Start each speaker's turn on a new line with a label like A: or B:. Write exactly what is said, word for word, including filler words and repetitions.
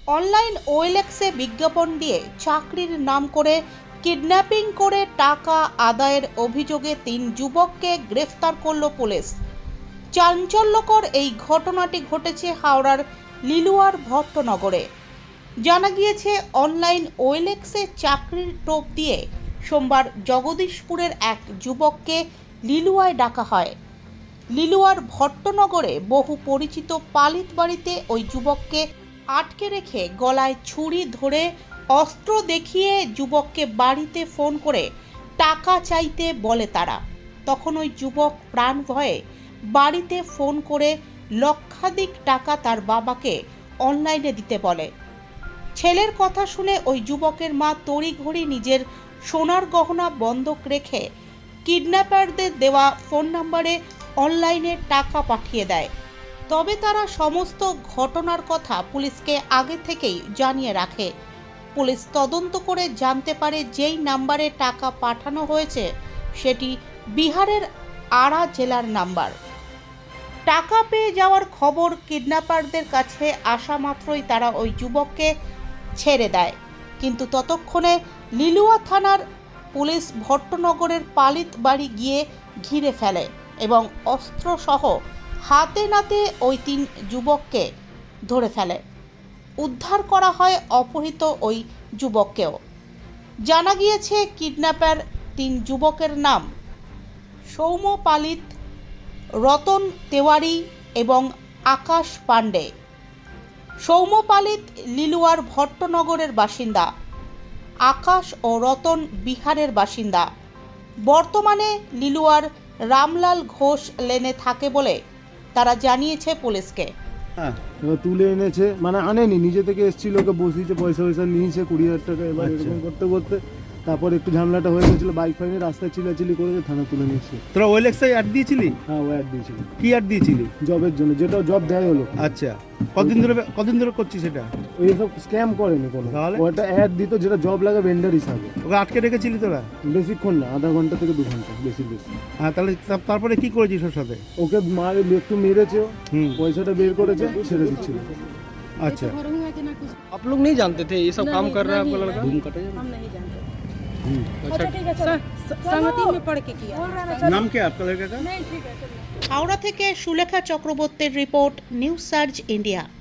A: Online ওএলএক্সে বিজ্ঞাপন দিয়ে চাকরির নাম করে কিডন্যাপিং করে টাকা আদায়ের অভিযোগে তিন যুবককে গ্রেফতার করল পুলিশ। চাঞ্চল্যকর এই ঘটনাটি ঘটেছে হাওড়ার লিলুয়ার ভট্টনগরে। জানা গিয়েছে, অনলাইন ওএলএক্সে চাকরির টোপ দিয়ে সোমবার জগদীশপুরের এক যুবককে লিলুয়ায় ডাকা হয়। লিলুয়ার ভট্টনগরে বহু পরিচিত পালিত বাড়িতে ওই যুবককে আটকে রেখে গলায় ছুরি ধরে অস্ত্র দেখিয়ে যুবককে বাড়িতে ফোন করে টাকা চাইতে বলে তারা। তখন ওই যুবক প্রাণ ভয়ে বাড়িতে ফোন করে লক্ষাধিক টাকা তার বাবাকে অনলাইনে দিতে বলে। ছেলের কথা শুনে ওই যুবকের মা তড়িঘড়ি নিজের সোনার গহনা বন্ধক রেখে কিডন্যাপারদের দেওয়া ফোন নম্বরে অনলাইনে টাকা পাঠিয়ে দেয়। তবে তারা সমস্ত ঘটনার কথা পুলিশকে আগে থেকেই জানিয়ে রাখে। পুলিশ তদন্ত করে জানতে পারে যেই নাম্বারে টাকা পাঠানো হয়েছে সেটি বিহারের আরা জেলার নাম্বার। টাকা পেয়ে যাওয়ার খবর কিডন্যাপারদের কাছে আসা মাত্রই তারা ওই যুবককে ছেড়ে দেয়। কিন্তু ততক্ষণে লিলুয়া থানার পুলিশ ভট্টনগরের পালিত বাড়ি গিয়ে ঘিরে ফেলে এবং অস্ত্রসহ হাতে নাতে ওই তিন যুবককে ধরে ফেলে। উদ্ধার করা হয় অপহৃত ওই যুবককেও। জানা গিয়েছে, কিডন্যাপার তিন যুবকের নাম সৌম্য পালিত, রতন তেওয়ারি এবং আকাশ পাণ্ডে। সৌম্য পালিত লিলুয়ার ভট্টনগরের বাসিন্দা, আকাশ ও রতন বিহারের বাসিন্দা। বর্তমানে লিলুয়ার রামলাল ঘোষ লেনে থাকে বলে তারা জানিয়েছে পুলিশকে।
B: হ্যাঁ, এবার তুলে এনেছে, মানে আনেনি, নিজে থেকে এসেছিল, ওকে বসিয়েছে, পয়সা পয়সা নিয়েছে কুড়ি হাজার টাকা। এবার এরকম করতে করতে তারপর একটু ঝামেলাটা হয়ে গেছিলো, বাইক ফাইনে রাস্তায় চিল্লাচিল্লি করেছে, থানা তুলে নিয়েছে।
C: তোরা ওএলএক্সে অ্যাড দিয়েছিলি?
B: হ্যাঁ, ও অ্যাড দিয়েছিল।
C: কি অ্যাড দিয়েছিলি?
B: জবের জন্য, যেটা জব দেয় হলো।
C: আচ্ছা, কতদিন ধরে কতদিন ধরে করছিস সেটা?
B: ওই সব স্ক্যাম করেনি কোনো,
C: তাহলে
B: ওটা অ্যাড দিত যেটা জব লাগে ভেন্ডার হিসাবে।
C: ওকে আটকে রেখেছিলি তোরা?
B: বেশিক্ষণ না, আধা ঘন্টা থেকে দু ঘন্টা, বেশি বেশি।
C: হ্যাঁ, তাহলে তা- তারপরে কি করেছিস ওর সাথে?
B: ওকে মারে একটু মেরেছে,
C: হুম,
B: পয়সাটা বের করেছে, ছেড়ে দিচ্ছিল।
C: আচ্ছা।
D: आप लोग नहीं जानते थे ये सब काम कर रहा है आपका लड़का?
E: हम नहीं जानते।
D: अच्छा
E: ठीक है, सर संगति में पढ़ के किया।
C: नाम क्या है आपका लड़का का?
E: नहीं ठीक है चलिए।
A: হাওড়া থেকে সুলেখা চক্রবর্তীর রিপোর্ট, নিউজ সার্চ ইন্ডিয়া।